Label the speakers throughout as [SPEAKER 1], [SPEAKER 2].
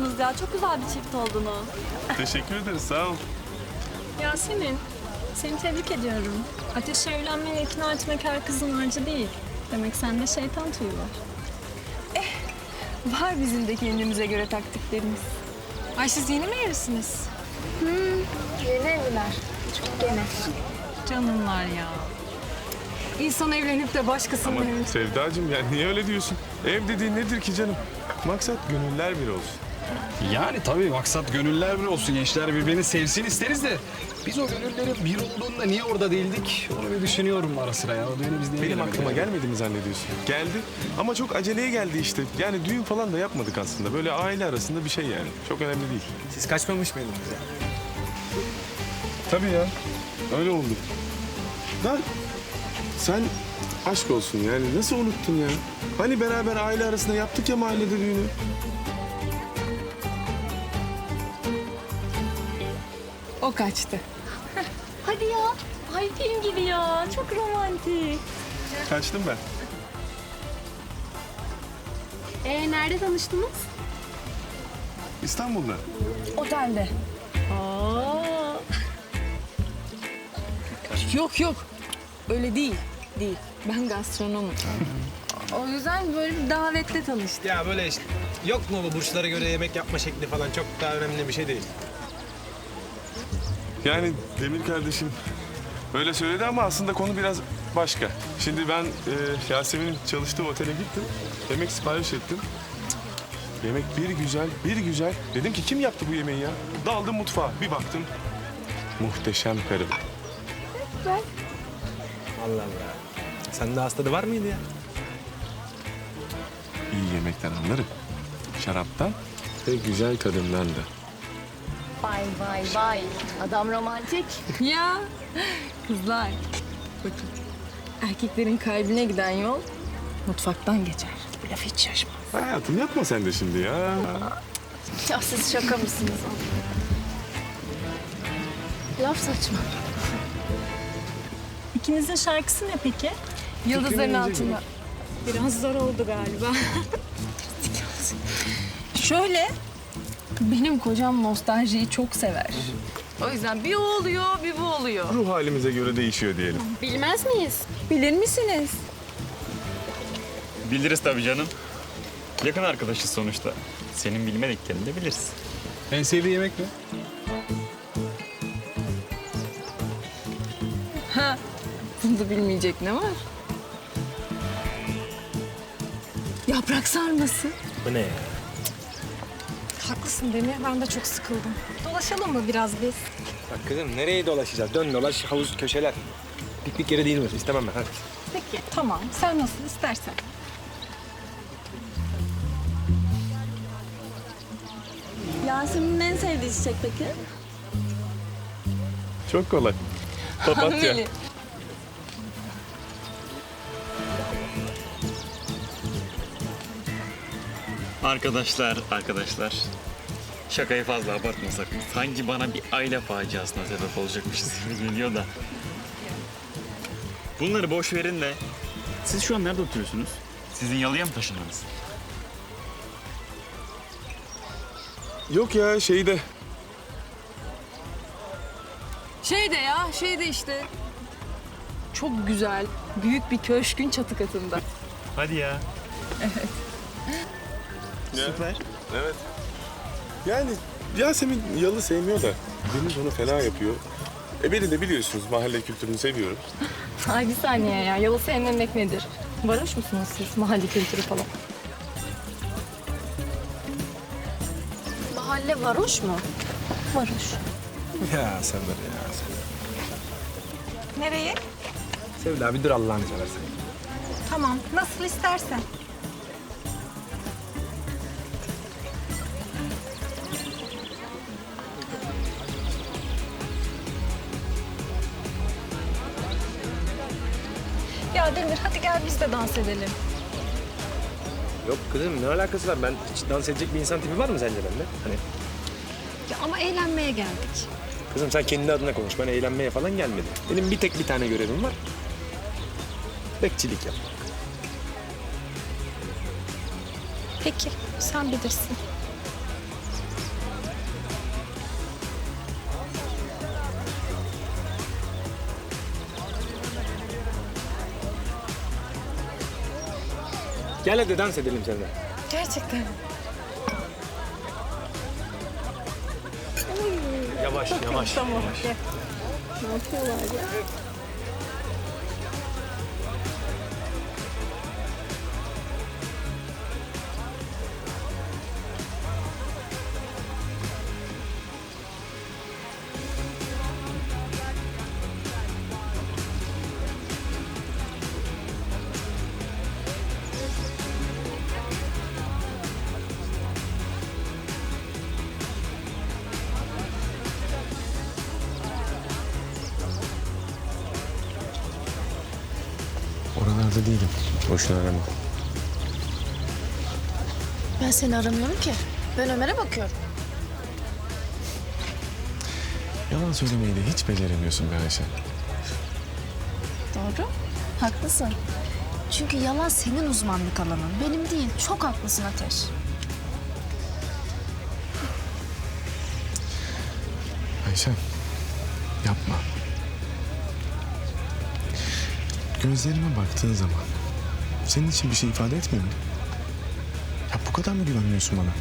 [SPEAKER 1] yakışmışsınız ya. Çok güzel bir çift oldunuz.
[SPEAKER 2] Teşekkür ederiz, sağ ol.
[SPEAKER 3] Yasemin, seni tebrik ediyorum. Ateşe evlenmeye ikna etmek her kızın harcı değil. Demek sende şeytan tüyü var.
[SPEAKER 4] Var bizim de kendimize göre taktiklerimiz. Ay siz yeni mi evlisiniz?
[SPEAKER 3] Yeni evliler. Çok yeni.
[SPEAKER 4] Canımlar ya. İnsan evlenip de başkasının
[SPEAKER 2] Ama
[SPEAKER 4] evine...
[SPEAKER 2] Sevdacığım yani niye öyle diyorsun? Ev dediğin nedir ki canım? Maksat gönüller bir olsun.
[SPEAKER 5] Yani tabii maksat gönüller bir olsun. Gençler birbirini sevsin isteriz de biz o gönüllerin bir olduğunda niye orada değildik? Onu bir düşünüyorum ara sıra ya. O düğüne biz niye
[SPEAKER 2] Benim
[SPEAKER 5] gelemedik
[SPEAKER 2] aklıma
[SPEAKER 5] ya?
[SPEAKER 2] gelmedi mi zannediyorsun? Geldi ama çok aceleye geldi işte. Yani düğün falan da yapmadık aslında. Böyle aile arasında bir şey yani. Çok önemli değil.
[SPEAKER 6] Siz kaçmamış mıydınız ya?
[SPEAKER 2] Tabii ya. Öyle oldu. Da sen aşk olsun yani nasıl unuttun ya? Hani beraber aile arasında yaptık ya mahallede düğünü.
[SPEAKER 4] O kaçtı.
[SPEAKER 1] Hadi ya. Ay film gibi ya. Çok romantik.
[SPEAKER 2] Kaçtım ben.
[SPEAKER 1] Nerede tanıştınız?
[SPEAKER 2] İstanbul'da.
[SPEAKER 4] Otelde.
[SPEAKER 1] Aa.
[SPEAKER 4] Yok. Öyle değil. Değil. Ben gastronomum. O yüzden böyle bir davette tanıştık.
[SPEAKER 6] Ya böyle işte yok mu bu burçlara göre yemek yapma şekli falan çok daha önemli bir şey değil.
[SPEAKER 2] Yani Demir kardeşim öyle söyledi ama aslında konu biraz başka. Şimdi ben Yasemin'in çalıştığı otele gittim. Yemek sipariş ettim. Cık, yemek bir güzel. Dedim ki kim yaptı bu yemeği ya? Daldım mutfağa bir baktım. Muhteşem karım.
[SPEAKER 6] Allah Allah. Sende hastalığı var mıydı ya?
[SPEAKER 2] İyi yemekten anlarım. Şaraptan ve güzel kadından da.
[SPEAKER 1] Vay. Adam romantik.
[SPEAKER 4] Ya kızlar. Bakın. Erkeklerin kalbine giden yol mutfaktan geçer. Bu laf hiç şaşmaz.
[SPEAKER 2] Hayatım yapma sen de şimdi ya.
[SPEAKER 1] Ya siz şaka mısınız? Laf saçma.
[SPEAKER 3] İkinizin şarkısı ne peki?
[SPEAKER 4] Yıldızların altında.
[SPEAKER 3] Biraz zor oldu galiba.
[SPEAKER 4] Şöyle, benim kocam nostaljiyi çok sever. O yüzden bir o oluyor, bir bu oluyor.
[SPEAKER 2] Ruh halimize göre değişiyor diyelim.
[SPEAKER 1] Bilmez miyiz?
[SPEAKER 4] Bilir misiniz?
[SPEAKER 7] Biliriz tabii canım. Yakın arkadaşız sonuçta. Senin bilmediklerini de biliriz.
[SPEAKER 5] En sevdiği yemek ne?
[SPEAKER 4] Ha, bunda bilmeyecek ne var? Yaprak sarması.
[SPEAKER 6] Bu ne ya?
[SPEAKER 3] Haklısın Demir, ben de çok sıkıldım. Dolaşalım mı biraz biz?
[SPEAKER 6] Bak kızım nereye dolaşacağız? Dön dolaş havuz köşeler. Piknik yeri değil mi? İstemem ben hadi.
[SPEAKER 3] Peki, tamam. Sen nasıl istersen.
[SPEAKER 1] Yasemin'in en sevdiği çiçek peki?
[SPEAKER 2] Çok kolay. Papatya.
[SPEAKER 4] Hanımeli.
[SPEAKER 7] Arkadaşlar. Şakayı fazla abartmasak. Sanki bana bir aile faciasına sebep olacakmışız gibi geliyor da. Bunları boş verin de. Siz şu an nerede oturuyorsunuz? Sizin yalıya mı taşındınız?
[SPEAKER 2] Yok ya şeyde.
[SPEAKER 4] Şeyde işte. Çok güzel, büyük bir köşkün çatı katında.
[SPEAKER 7] Hadi ya.
[SPEAKER 2] Süper. Evet. Yani Yasemin yalı sevmiyor da Deniz onu fena yapıyor. Beni de biliyorsunuz mahalle kültürünü seviyorum.
[SPEAKER 3] Ay bir saniye ya, yalı sevmemek nedir? Varoş musunuz siz, mahalle kültürü falan?
[SPEAKER 1] Mahalle varoş mu?
[SPEAKER 3] Varoş.
[SPEAKER 6] Ya sen de ya.
[SPEAKER 3] Nereye?
[SPEAKER 6] Sevda bir dur Allah'ını seversen.
[SPEAKER 3] Tamam, nasıl istersen. Ya Demir, hadi gel biz de dans edelim.
[SPEAKER 6] Yok kızım ne alakası var? Ben hiç dans edecek bir insan tipi var mı sence bende? Hani
[SPEAKER 3] Ya ama eğlenmeye geldik.
[SPEAKER 6] kızım sen kendi adına konuş. Ben eğlenmeye falan gelmedim. Benim bir tane görevim var. Bekçilik yap.
[SPEAKER 3] Peki, sen bilirsin.
[SPEAKER 6] Gel hadi dans edelim seninle.
[SPEAKER 4] Gerçekten.
[SPEAKER 6] Yavaş yavaş.
[SPEAKER 4] Tamam. Gel. Ne yapıyorlar ya?
[SPEAKER 6] Oralarda değilim. Boşuna arama.
[SPEAKER 1] Ben seni aramıyorum ki. Ben Ömer'e bakıyorum.
[SPEAKER 2] Yalan söylemeyi de hiç beceremiyorsun be Ayşe.
[SPEAKER 1] Doğru. Haklısın. Çünkü yalan senin uzmanlık alanın. Benim değil. Çok haklısın Ateş.
[SPEAKER 2] Ayşe, yapma. Gözlerime baktığın zaman senin için bir şey ifade etmiyor mu? Ya bu kadar mı güvenmiyorsun bana?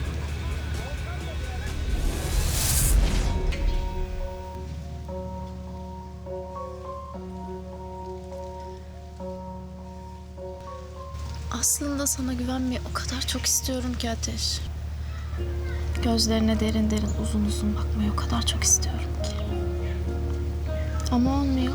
[SPEAKER 1] Aslında sana güvenmeyi o kadar çok istiyorum ki Ateş. Gözlerine derin derin uzun uzun bakmayı o kadar çok istiyorum ki. Ama olmuyor.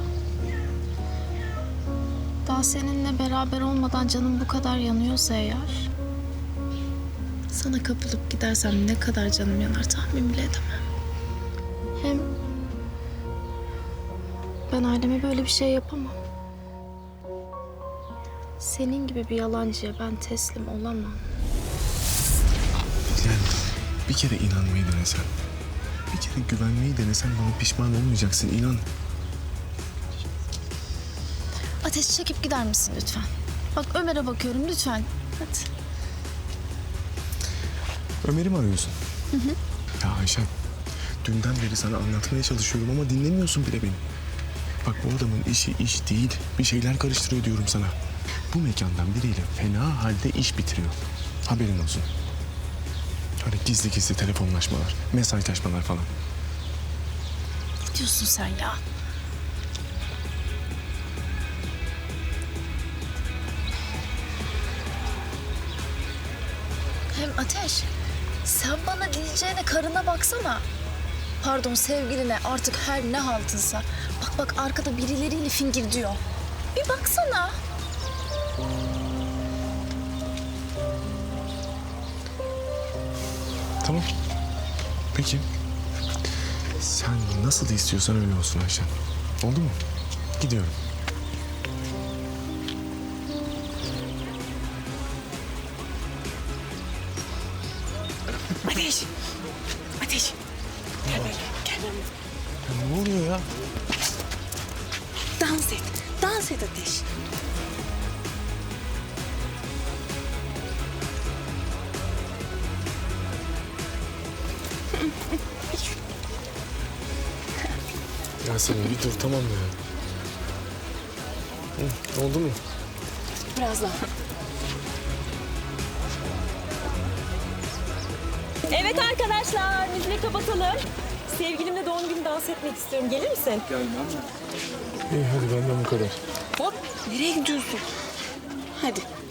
[SPEAKER 1] Daha seninle beraber olmadan canım bu kadar yanıyorsa eğer... sana kapılıp gidersem ne kadar canım yanar tahmin bile edemem. Hem ben aileme böyle bir şey yapamam. Senin gibi bir yalancıya ben teslim olamam.
[SPEAKER 2] Yani bir kere inanmayı denesen, bir kere güvenmeyi denesen bana pişman olmayacaksın, inan.
[SPEAKER 1] Ateş, çekip gider misin lütfen? Bak Ömer'e bakıyorum lütfen. Hadi.
[SPEAKER 2] Ömer'i mi arıyorsun? Ya Ayşem, dünden beri sana anlatmaya çalışıyorum ama dinlemiyorsun bile beni. Bak bu adamın işi iş değil, bir şeyler karıştırıyor diyorum sana. Bu mekandan biriyle fena halde iş bitiriyor. Haberin olsun. Öyle gizli gizli telefonlaşmalar, mesajlaşmalar falan.
[SPEAKER 1] Ne diyorsun sen ya? Hem Ateş, sen bana diyeceğine karına baksana. Pardon, sevgiline, artık her ne haltınsa. Bak bak, arkada birileriyle fingir diyor. Bir baksana.
[SPEAKER 2] Tamam. Peki. Sen nasıl istiyorsan öyle olsun Ayşe. Oldu mu? Gidiyorum.
[SPEAKER 4] Ateş. Ateş. Gel böyle. Gel.
[SPEAKER 2] Ya ne oluyor ya?
[SPEAKER 4] Dans et. Dans et Ateş.
[SPEAKER 2] Yasemin bir dur, tamam mı ya? Hı, oldu mu?
[SPEAKER 4] Biraz daha.
[SPEAKER 8] Evet arkadaşlar, müziği kapatalım. Sevgilimle doğum günü dans etmek istiyorum. Gelir misin?
[SPEAKER 2] İyi hadi benden bu kadar.
[SPEAKER 4] Hop. Nereye gidiyorsun? Hadi.